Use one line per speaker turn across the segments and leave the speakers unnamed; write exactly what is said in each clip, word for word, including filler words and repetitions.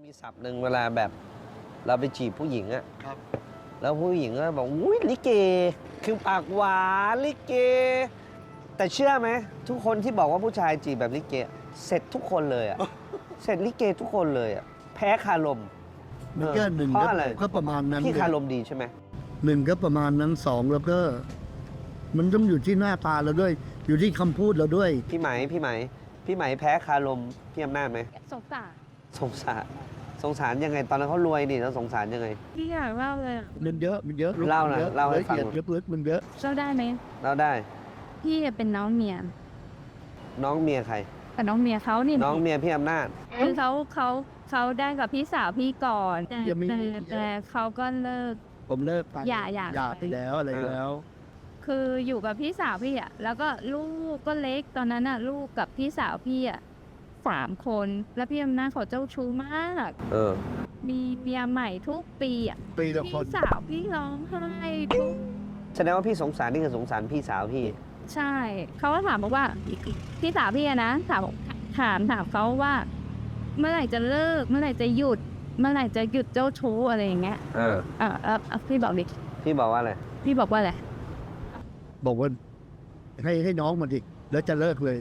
มีศัพท์หนึ่งเวลาแบบเราไปจีบผู้หญิงอะ
ครับ
แล้วผู้หญิงก็บอกอุ้ยลิเกคือปากหวานลิเก แต่เชื่อไหมทุกคนที่บอกว่าผู้ชายจีบแบบลิเกเสร็จทุกคนเลยอะ เสร็จลิเกทุกคนเลยอะแพ้คารม
มันก็หนึ่ง
เพราะอะไร
ก็ประมาณนั้น
พี่คารมดีใช่ไหม
หนึ่งก็ประมาณนั้นสองแล้วก็ มันต้องอยู่ที่หน้าตาเราด้วย อยู่ที่คำพูดเราด้วย
พี่ไหมพี่ไหมพี่ไหมแพ้คารมพี่อำนาจไหม
สงสาร
สงสารสงสารยังไงตอนนั้นเขารวยนี่แล้วสงสารยังไง
พี่อยากเล่าเลยอะ
มันเยอะมันเยอะ
เล่าหน่อย
ยอะ
เล่าให้ฟัง
ละเอียดลึกๆมันเยอะ
เล่าได้ไหม
เราได้
พี่เป็นน้องเมีย
น้องเมียใคร
กับน้องเมียเขานี่
น้องเมียพี่อำนาจ
คือเขาเขาเขาได้กับพี่สาวพี่ก่อนแต่
ยังไม่
แต่แต่เขาก็เลิก
ผมเลิกไป
อย่าอย่า
อย่าไปแล้วอะไรแล้ว
คืออยู่กับพี่สาวพี่อ่ะแล้วก็ลูกก็เล็กตอนนั้นอ่ะลูกกับพี่สาวพี่อ่ะสามคนแล้วพี่อำนาจเขาเจ้าชู้มาก
เออ
มีเมียใหม่ทุกปีอ่ะ
ปีละคน
พี่สาวพี่ร้องไห้ทุก
แสดงว่าพี่สงสารนี่คือสงสารพี่สาวพี่
ใช่เขาก็ถามบอกว่าพี่สาวพี่อะนะถามถามถามเขาว่า เมื่อไหร่จะเลิก เมื่อไหร่จะหยุด เมื่อไหร่จะหยุดเจ้าชู้อะไรอย่างเงี้ย
เออ
อ่าอ่าพี่บอกดิ
พี่บอกว่าอะไร
พี่บอกว่าอะไร
บอกว่าให้ให้น้องมาดิแล้วจะเลิกเลย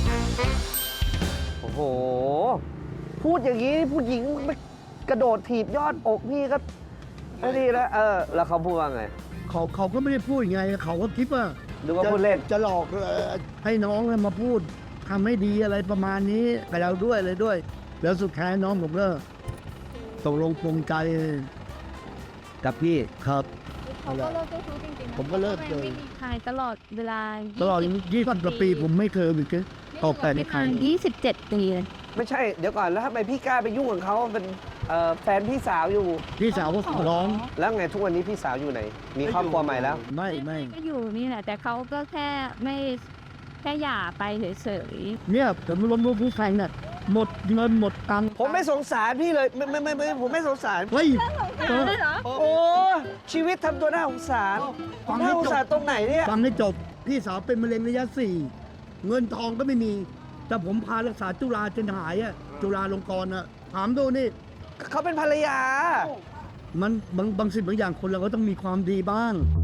โอ้โห พูดอย่างนี้ผู้หญิงไม่กระโดดถีบยอดอกพี่ก็ไม่ดีแล้ว เออ แล้วเขาพูดว่าไง
เขาเขาก็ไม่ได้พูดไงเขาก็คิดว่า
ดูว่าพูดเล่น
จะหลอกเอ่อให้น้องมาพูดทำให้ดีอะไรประมาณนี้กับเราด้วยเลยด้วย แล้วสุดท้ายน้องผมก็ตกลงปรงใจกับพี่ครับ
เขาก็เลิกเจ้าชู้จริงๆนะ
ผมก็เลิกเลย
ไม่มีใครตลอดเวลา
ตลอดยี่สิบกว่าปีผมไม่เคยมีกันออกแต่ในใคร
ยี่สิบเจ็ดปีเลย
ไม่ใช่ เดี๋ยวก่อน แล้วทำไมพี่กล้าไปยุ่งกับเขาเป็นเอ่อแฟนพี่สาวอยู่
พี่สาวก็ขอร้อง
แล้วไงทุกวันนี้พี่สาวอยู่ไหน มีครอบครัวใหม่แล้ว
ไม่ไม่
ก็อยู่นี่แหละแต่เขาก็แค่ไม่แค่หย่าไปเฉย
เนี่ยผมล้มรู้ผู้แฟนน่ะหมดเงินหมดตังค์
ผมไม่สงสารพี่เลย ไม่ไม่ไม่ไม่ผมไม่สงสาร
เฮ้ย
ๆได้เหรอ
โอ้ ชีวิตทำตัวน่าสงสาร
ฟัง
น่า
ให้
สง
จ
สาร
บ
ตรงไหนเนี่ย
ฟังให้จบ พี่สาวเป็นมะเร็งระยะสี่เงินทองก็ไม่มี แต่ผมพารักษาจุฬาจนหายอะจุฬาลงกรณ์อะถามดูนี่
เขาเป็นภรรยา
มันบางบางสิ่งบางอย่างคนเราก็ต้องมีความดีบ้าง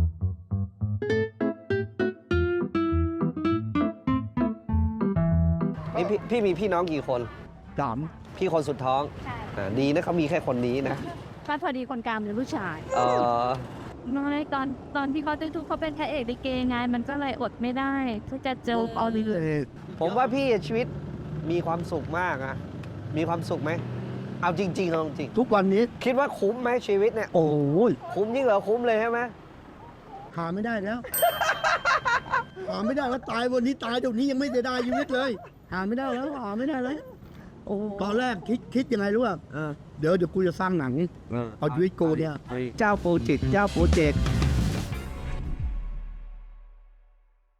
นี่พี่พี่มีพี่น้องกี่คน
สาม
พี่คนสุดท้อง
ใช่
อ่าดีนะเขามีแค่คนนี้นะ
ก็พอดีคนกลางเป็นผู้ชาย
เออ
น้อยตอนตอนที่เขาจะทุกเขาเป็นพระเอกลิเกไงมันก็เลยอดไม่ได้ที่จะเจอเอาเลย
เอ่อ
ผมว่าพี่ชีวิตมีความสุขมากอะมีความสุขไหม เอาจริงๆเอาจริง
ทุกวันนี้
คิดว่าคุ้มไหมชีวิตเนี่ย
โอ้ย
คุ้มยิ่งเหรอคุ้มเลยใช่ไหม
หาไม่ได้แล้ว หาไม่ได้แล้วตายวันนี้ตายเดี๋ยวนี้ยังไม่ได้ได้ชีวิตเลย หาไม่ได้แล้วหาไม่ได้แล้วโอ้ตอนแรกคิดคิดยังไงรู้ป่ะ
เออ
เดี๋ยวเดี๋ยวกูจะสร้างหนัง
เออ
เอาชีวิตกูเนี่ย เจ้าโปรเจกต์เจ้าโปรเจกต์